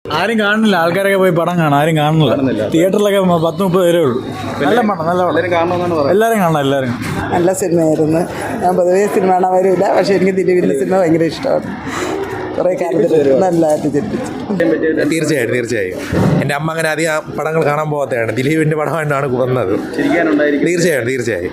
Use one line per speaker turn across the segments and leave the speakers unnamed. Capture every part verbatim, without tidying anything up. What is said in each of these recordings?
ആരും കാണുന്നില്ല, ആൾക്കാരൊക്കെ പോയി പടം കാണാം, ആരും കാണുന്നില്ല. തിയേറ്ററിലൊക്കെ പത്ത് മുപ്പത് പേരേ ഉള്ളൂ. നല്ല പടം, നല്ല പടം, എല്ലാവരും കാണണം, എല്ലാവരും.
നല്ല സിനിമയായിരുന്നു. ഞാൻ പൊതുവേ സിനിമ കാണാൻ വരില്ല, പക്ഷേ എനിക്ക് ദിലീപിൻ്റെ സിനിമ ഭയങ്കര ഇഷ്ടമാണ്. കുറേ കാലത്തിൽ നല്ലതായിട്ട് ചിന്തിച്ചു.
തീർച്ചയായും തീർച്ചയായും എൻ്റെ അമ്മ അങ്ങനെ അധികം പടങ്ങൾ കാണാൻ പോകാത്തതാണ്. ദിലീപിൻ്റെ പടമായിട്ടാണ് വന്നത്. തീർച്ചയായും തീർച്ചയായും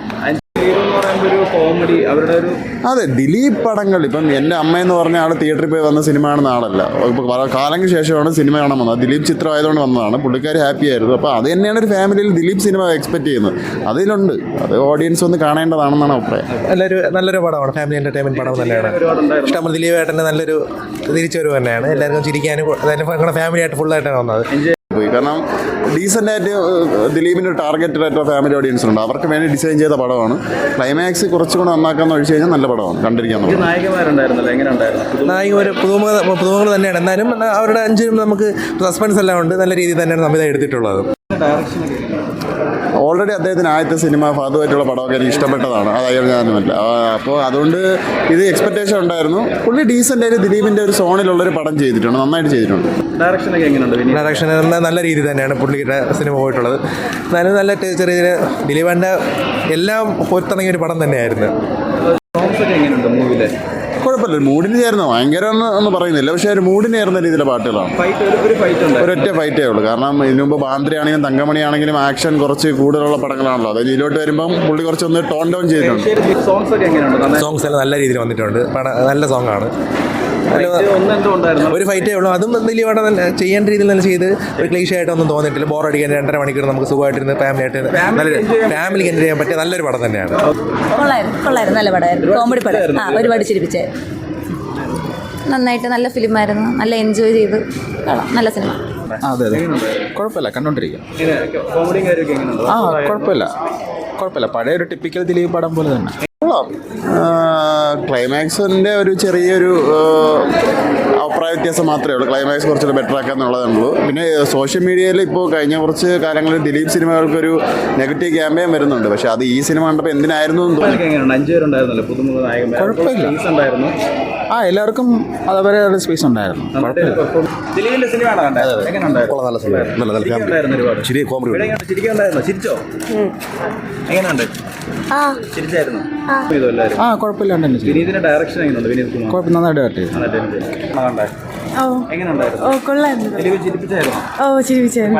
അതെ, ദിലീപ് പടങ്ങൾ ഇപ്പം എൻ്റെ അമ്മയെന്ന് പറഞ്ഞ ആൾ തിയേറ്ററിൽ പോയി വന്ന സിനിമ കാണുന്ന ആളല്ല. ഇപ്പോൾ കാലങ്ങൾക്ക് ശേഷമാണ് സിനിമ കാണാൻ വന്നത്. ദിലീപ് ചിത്രം ആയതുകൊണ്ട് വന്നതാണ്. പുള്ളിക്കാർ ഹാപ്പി ആയിരുന്നു. അപ്പോൾ അത് തന്നെയാണ് ഒരു ഫാമിലിയിൽ ദിലീപ് സിനിമ എക്സ്പെക്ട് ചെയ്യുന്നത്. അതിലുണ്ട്, അത് ഓഡിയൻസ് ഒന്ന് കാണേണ്ടതാണെന്നാണ് അഭിപ്രായം.
നല്ലൊരു നല്ലൊരു പടമാണ്, ഫാമിലി എൻ്റർടൈൻമെൻറ്റ് പടം തന്നെയാണ്. ഇഷ്ടം ദിലീപ് ഏട്ടൻ്റെ നല്ലൊരു തിരിച്ചുവരവ് തന്നെയാണ്. എല്ലാവർക്കും ചിരിക്കാനും ഞങ്ങളുടെ ഫാമിലി ആയിട്ട് ഫുള്ളായിട്ടാണ് വന്നത്.
പോയി കാരണം ഡീസൻ്റ് ആയിട്ട് ദിലീപിൻ്റെ ഒരു ടാർഗറ്റഡ് ആയിട്ടുള്ള ഫാമിലി ഓഡിയൻസ് ഉണ്ട്. അവർക്ക് വേണ്ടി ഡിസൈൻ ചെയ്ത പടമാണ്. ക്ലൈമാക്സ് കുറച്ചുകൂടെ നന്നാക്കാന്ന് ഒഴിച്ചു കഴിഞ്ഞാൽ നല്ല പടമാണ്, കണ്ടിരിക്കാൻ.
നായികമാർ പുതുമുഖ പുതുമുഖങ്ങൾ തന്നെയാണ്. എന്നാലും അവരുടെ അഞ്ചിനും നമുക്ക് സസ്പെൻസ് എല്ലാം ഉണ്ട്. നല്ല രീതിയിൽ തന്നെയാണ് സംവിധാനം എടുത്തിട്ടുള്ളത്.
ഓൾറെഡി അദ്ദേഹത്തിന് ആദ്യത്തെ സിനിമ ഫാദുമായിട്ടുള്ള പടമൊക്കെ എനിക്ക് ഇഷ്ടപ്പെട്ടതാണ്. അത് അയാൾ ഞാനുമല്ല. അപ്പോൾ അതുകൊണ്ട് ഇത് എക്സ്പെക്റ്റേഷൻ ഉണ്ടായിരുന്നു. പുള്ളി ഡീസൻ്റ് ആയിട്ട് ദിലീപിൻ്റെ ഒരു സോണിലുള്ളൊരു പടം ചെയ്തിട്ടുണ്ട്, നന്നായിട്ട് ചെയ്തിട്ടുണ്ട്.
ഡയറക്ഷനൊക്കെ എങ്ങനെയുണ്ട്? ഡയറക്ഷൻ നല്ല രീതിയിൽ തന്നെയാണ് പുള്ളിയുടെ സിനിമ പോയിട്ടുള്ളത്. എന്നാലും നല്ല ചെറിയ ചെറിയ ദിലീപിൻ്റെ എല്ലാം പൊരുത്തിറങ്ങിയ ഒരു പടം തന്നെയായിരുന്നു.
കുഴപ്പമില്ല, മൂഡിന് ചേർന്ന് ഭയങ്കര ഒന്നും പറയുന്നില്ല, പക്ഷേ ഒരു മൂഡിന് ചേർന്ന രീതിയിലെ പാട്ടുകളാണ്. ഒരൊറ്റ ഫൈറ്റേ ഉള്ളൂ. കാരണം ഇതിനു മുമ്പ് ബാന്ദ്ര ആണെങ്കിലും തങ്കമണി ആണെങ്കിലും ആക്ഷൻ കുറച്ച് കൂടുതലുള്ള പടങ്ങളാണല്ലോ. അതായത് ഇതിലോട്ട് വരുമ്പം പുള്ളി കുറച്ചൊന്ന് ടോൺ ഡൗൺ ചെയ്തിട്ടുണ്ട്.
സോങ്സ് എല്ലാം നല്ല രീതിയിൽ വന്നിട്ടുണ്ട്. നല്ല സോങ് ആണ്. ഒരു ഫൈറ്റേ ഉള്ളൂ. അതും ദിലീപ് നല്ല ചെയ്യേണ്ട രീതിയിൽ തന്നെ ചെയ്ത് ഒരു ക്ലീഷ ആയിട്ടൊന്നും തോന്നിയിട്ടില്ല. ബോറടിക്കാൻ രണ്ടര മണിക്കൂർ നമുക്ക് സുഖമായിട്ടിരുന്ന് ഫാമിലി ആയിട്ട് നല്ലൊരു ഫാമിലിക്ക് എൻജോയ് ചെയ്യാൻ പറ്റിയ നല്ലൊരു പടം തന്നെയാണ്.
കൊള്ളായിരുന്നു കൊള്ളായിരുന്നു നല്ല പടമായിരുന്നു. കോമഡി പടം. ആ ഒരുപാട് ചിരിപ്പിച്ചേ. നന്നായിട്ട് നല്ല ഫിലിമായിരുന്നു. നല്ല എൻജോയ് ചെയ്ത് കാണാം. നല്ല സിനിമ.
അതെ അതെ കുഴപ്പമില്ല, കണ്ടോണ്ടിരിക്കാം. ആ കുഴപ്പമില്ല കുഴപ്പമില്ല പഴയ ഒരു ടിപ്പിക്കൽ ദിലീപ് പടം പോലെ തന്നെ.
ക്ലൈമാക്സിൻ്റെ ഒരു ചെറിയൊരു അഭിപ്രായ വ്യത്യാസം മാത്രമേ ഉള്ളൂ. ക്ലൈമാക്സ് കുറച്ചുകൂടെ ബെറ്റർ ആക്കാന്നുള്ളതുള്ളൂ. പിന്നെ സോഷ്യൽ മീഡിയയിൽ ഇപ്പോൾ കഴിഞ്ഞ കുറച്ച് കാലങ്ങളിൽ ദിലീപ് സിനിമകൾക്കൊരു നെഗറ്റീവ് ക്യാമ്പയിൻ വരുന്നുണ്ട്. പക്ഷേ അത് ഈ സിനിമ കണ്ടപ്പോൾ എന്തിനായിരുന്നു എന്ന് തോന്നി.
കുഴപ്പമില്ല. ആ എല്ലാവർക്കും അതേപോലെ സ്പേസ് ഉണ്ടായിരുന്നു. ആ കുഴപ്പമില്ല.
ഡയറക്ഷൻ
കുഴപ്പം നന്നായിട്ട് ഡയറക്റ്റ് ചെയ്തു.
ഓ കൊള്ളായിരുന്നു. ഓ ചിരിപ്പിച്ചായിരുന്നു.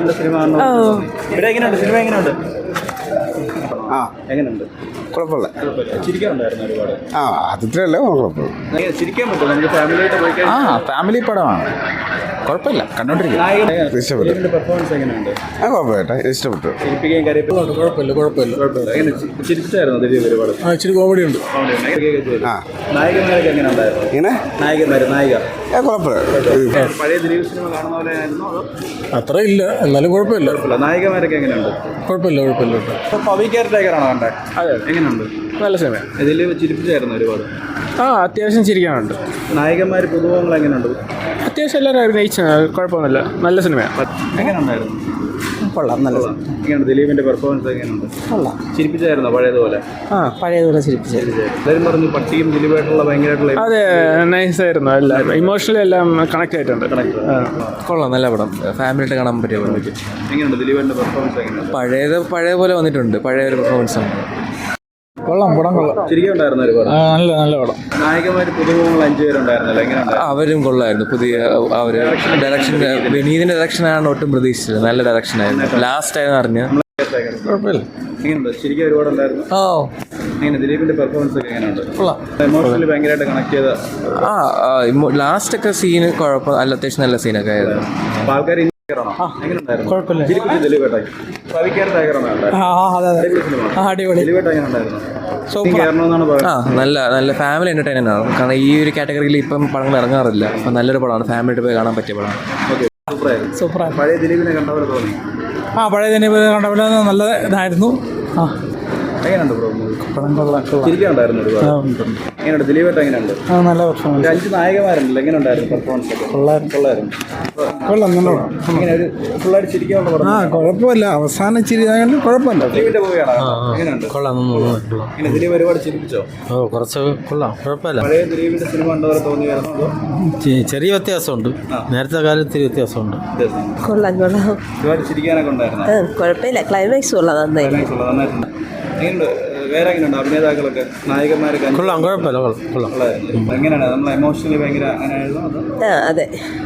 ആ എങ്ങനെയുണ്ട്? കുഴപ്പമില്ല. ആ അതിത്രയല്ലേ കുഴപ്പമില്ല. ആ ഫാമിലി പടമാണ്. കുഴപ്പമില്ല, കണ്ടോണ്ടിരിക്കും. ഇഷ്ടപ്പെട്ടു. ആ കുഴപ്പമില്ല, ഇഷ്ടപ്പെട്ടു. കുഴപ്പമില്ല കുഴപ്പമില്ല ആ ഇച്ചിരി കോമഡി ഉണ്ട്. ആ ഇങ്ങനെ ആ കുഴപ്പമില്ല. അത്ര ഇല്ല, എന്നാലും കുഴപ്പമില്ല.
നായികമാരൊക്കെ എങ്ങനെയുണ്ട്?
കുഴപ്പമില്ല കുഴപ്പമില്ല.
നല്ല സിനിമ. ഇതിൽ ചിരിപ്പിച്ചായിരുന്നു ഒരുപാട്.
ആ അത്യാവശ്യം ചിരിക്കാനുണ്ട്.
നായകന്മാർ പുതുമുഖങ്ങൾ എങ്ങനെയുണ്ട്?
അത്യാവശ്യം എല്ലാവരും അഭിനയിച്ച കുഴപ്പമൊന്നുമില്ല. നല്ല സിനിമയാണ്.
എങ്ങനെയുണ്ടായിരുന്നു?
കൊള്ളാം, നല്ല സിനിമ.
എങ്ങനെയുണ്ട് ദിലീപിന്റെ പെർഫോമൻസ്? എങ്ങനെയുണ്ട്?
കൊള്ളാം.
ചിരിപ്പിച്ചായിരുന്നോ പഴയതുപോലെ?
ആ പഴയതുപോലെ ചിരിപ്പിച്ചായിരുന്നു.
എല്ലാവരും പറഞ്ഞു പട്ടിയും ദിലീപായിട്ടുള്ള ഭയങ്കരമായിട്ടുള്ള.
അതെ നൈസായിരുന്നു. എല്ലാം ഇമോഷണലി എല്ലാം കണക്ട് ആയിട്ടുണ്ട്.
കൊള്ളാം, നല്ല പടം. ഫാമിലിയായിട്ട് കാണാൻ പറ്റിയ പടം.
എങ്ങനെയുണ്ട് ദിലീപിന്റെ പെർഫോമൻസ്? എങ്ങനെയുണ്ട്?
പഴയത് പഴയ പോലെ വന്നിട്ടുണ്ട്. പഴയ ഒരു പെർഫോമൻസ് ആണ്.
കൊള്ളാം, പടം കൊള്ളാം.
ചിരിക്കുണ്ടായിരുന്നു ഒരുപാട്.
നല്ല നല്ല പടം.
നായകന്മാർ പുതുമുഖങ്ങൾ അഞ്ചു പേരുണ്ടായിരുന്നല്ലോ, എങ്ങനെയുണ്ട്?
അവരും കൊള്ളായിരുന്നു. പുതിയ അവർ ഡയറക്ഷൻ വിനീതിന്റെ ഡയറക്ഷനാണ് ഒട്ടും പ്രതീക്ഷിച്ചത്. നല്ല ഡയറക്ഷൻ ആയിരുന്നു. ലാസ്റ്റ് ആയിരുന്നു അറിഞ്ഞ.
കുഴപ്പമില്ല.
എങ്ങനെയുണ്ട്? ശരിക്കും ഒരുപാടുണ്ടായിരുന്നു.
ഓ
എങ്ങനെ ദിലീപിന്റെ പെർഫോമൻസ് ഒക്കെ എങ്ങനെയുണ്ട്? ഇമോഷണലി ഭയങ്കരമായിട്ട് കണക്ട് ചെയ്ത.
ആ ലാസ്റ്റ് ഒക്കെ സീന് കുഴപ്പം അല്ല, അത്യാവശ്യം നല്ല സീനൊക്കെ ആയിരുന്നു.
ആൾക്കാർ
ആ നല്ല നല്ല ഫാമിലി എന്റർടൈൻമെന്റ് ആണ്. കാരണം ഈ ഒരു കാറ്റഗറിയിൽ ഇപ്പം പടങ്ങൾ ഇറങ്ങാറില്ല. അപ്പം നല്ലൊരു പടമാണ്. ഫാമിലിയായിട്ട് പോയി കാണാൻ പറ്റിയ പടമാണ്.
സൂപ്പറായി. പഴയ ദിലീപിനെ കണ്ടപോലെ തോന്നി.
ആ പഴയ ദിലീപ് കണ്ടപോലെ നല്ല ഇതായിരുന്നു. ആ
എങ്ങനെയുണ്ട്?
പടം കൊള്ളാം.
ചിരിക്കാനുണ്ടായിരുന്നു ഒരുപാട്. എങ്ങനെയുണ്ട് ദിലീപേട്ട എങ്ങനെയുണ്ട്?
ആ നല്ല പെർഫോമൻസ്
ഒരു അഞ്ച് നായകന്മാരുണ്ടല്ലോ, എങ്ങനെ ഉണ്ടായിരുന്നു പെർഫോമൻസ് ഒക്കെ?
കൊള്ളായിരുന്നു
കൊള്ളായിരുന്നു.
കൊള്ളാം നല്ല
ഇങ്ങനെ ഒരു ഫുള്ളായിട്ട് ചിരിക്കാനുള്ള പടം.
ആ കുഴപ്പമില്ല അവസാനം ഇച്ചിരി ഇതായത് കുഴപ്പമില്ല
ദിലീപിന്റെ മൂവിയാണോ? എങ്ങനെയുണ്ട്?
കൊള്ളാം കൊള്ളാം.
ഇങ്ങനെ ദിലീപ് ഒരുപാട് ചിരിപ്പിച്ചോ?
ഓ കുറച്ച് കൊള്ളാം, കുഴപ്പമില്ല.
പഴയ ദിലീപിന്റെ സിനിമ കണ്ടവരെ തോന്നിയായിരുന്നു അതോ
ചെ- ചെറിയ വ്യത്യാസമുണ്ട്, നേരത്തെ കാലത്തിൽ വ്യത്യാസമുണ്ട്.
വ്യത്യാസം?
കൊള്ളാം കൊള്ളാം.
ഒരുപാട് ചിരിക്കാനൊക്കെ ഉണ്ടായിരുന്നു.
കുഴപ്പമില്ല, ക്ലൈമാക്സ് കൊള്ളാം നന്നായി.
നന്നായിട്ടുണ്ട്. എങ്ങനെയുണ്ട്? വേറെ എങ്ങനെയുണ്ട് അഭിനേതാക്കളൊക്കെ, നായകന്മാരൊക്കെ?
കൊള്ളാം, കുഴപ്പമില്ല, കൊള്ളാം കൊള്ളാം.
എങ്ങനെയാണ് നമ്മൾ എമോഷണലി ഭയങ്കര അങ്ങനെ ആയിരുന്നു അതോ?
ആ അതെ